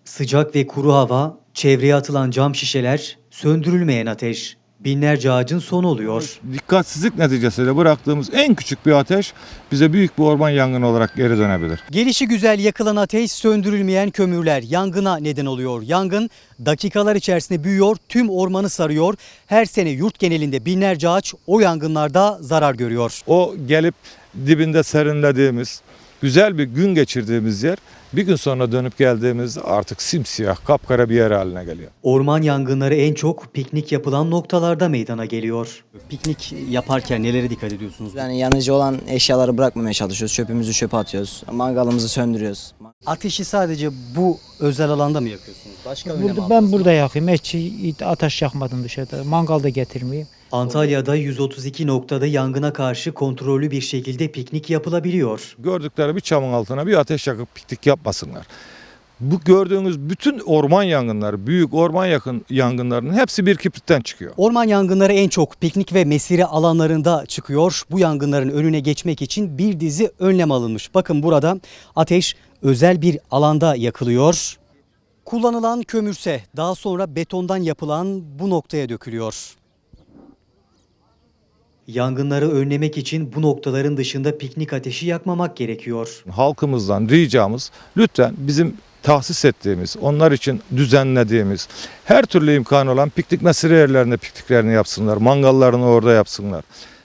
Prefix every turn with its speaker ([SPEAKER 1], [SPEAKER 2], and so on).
[SPEAKER 1] Sıcak ve kuru hava, çevreye atılan cam şişeler, söndürülmeyen ateş. Binlerce ağacın sonu oluyor.
[SPEAKER 2] Dikkatsizlik neticesiyle bıraktığımız en küçük bir ateş bize büyük bir orman yangını olarak geri dönebilir.
[SPEAKER 1] Gelişigüzel yakılan ateş, söndürülmeyen kömürler yangına neden oluyor. Yangın dakikalar içerisinde büyüyor, tüm ormanı sarıyor. Her sene yurt genelinde binlerce ağaç o yangınlarda zarar görüyor.
[SPEAKER 2] O gelip dibinde serinlediğimiz, güzel bir gün geçirdiğimiz yer bir gün sonra dönüp geldiğimizde artık simsiyah, kapkara bir yer haline geliyor.
[SPEAKER 1] Orman yangınları en çok piknik yapılan noktalarda meydana geliyor. Piknik yaparken nelere dikkat ediyorsunuz?
[SPEAKER 3] Yani yanıcı olan eşyaları bırakmamaya çalışıyoruz. Çöpümüzü çöpe atıyoruz. Mangalımızı söndürüyoruz.
[SPEAKER 1] Ateşi sadece bu özel alanda mı yakıyorsunuz? Başka önlem aldınız
[SPEAKER 4] Ben
[SPEAKER 1] mı?
[SPEAKER 4] burada yakayım. Hiç ateş yakmadım dışarıda. Mangal da getirmeyeyim.
[SPEAKER 1] Antalya'da 132 noktada yangına karşı kontrollü bir şekilde piknik yapılabiliyor.
[SPEAKER 2] Gördükleri bir çamın altına bir ateş yakıp piknik yapmasınlar. Bu gördüğünüz bütün orman yangınları, büyük orman yangınlarının hepsi bir kibritten çıkıyor.
[SPEAKER 1] Orman yangınları en çok piknik ve mesire alanlarında çıkıyor. Bu yangınların önüne geçmek için bir dizi önlem alınmış. Bakın burada ateş özel bir alanda yakılıyor. Kullanılan kömürse daha sonra betondan yapılan bu noktaya dökülüyor. Yangınları önlemek için bu noktaların dışında piknik ateşi yakmamak gerekiyor.
[SPEAKER 2] Halkımızdan ricamız lütfen bizim tahsis ettiğimiz, onlar için düzenlediğimiz her türlü imkanı olan piknik mesire yerlerinde pikniklerini yapsınlar, mangallarını orada yapsınlar.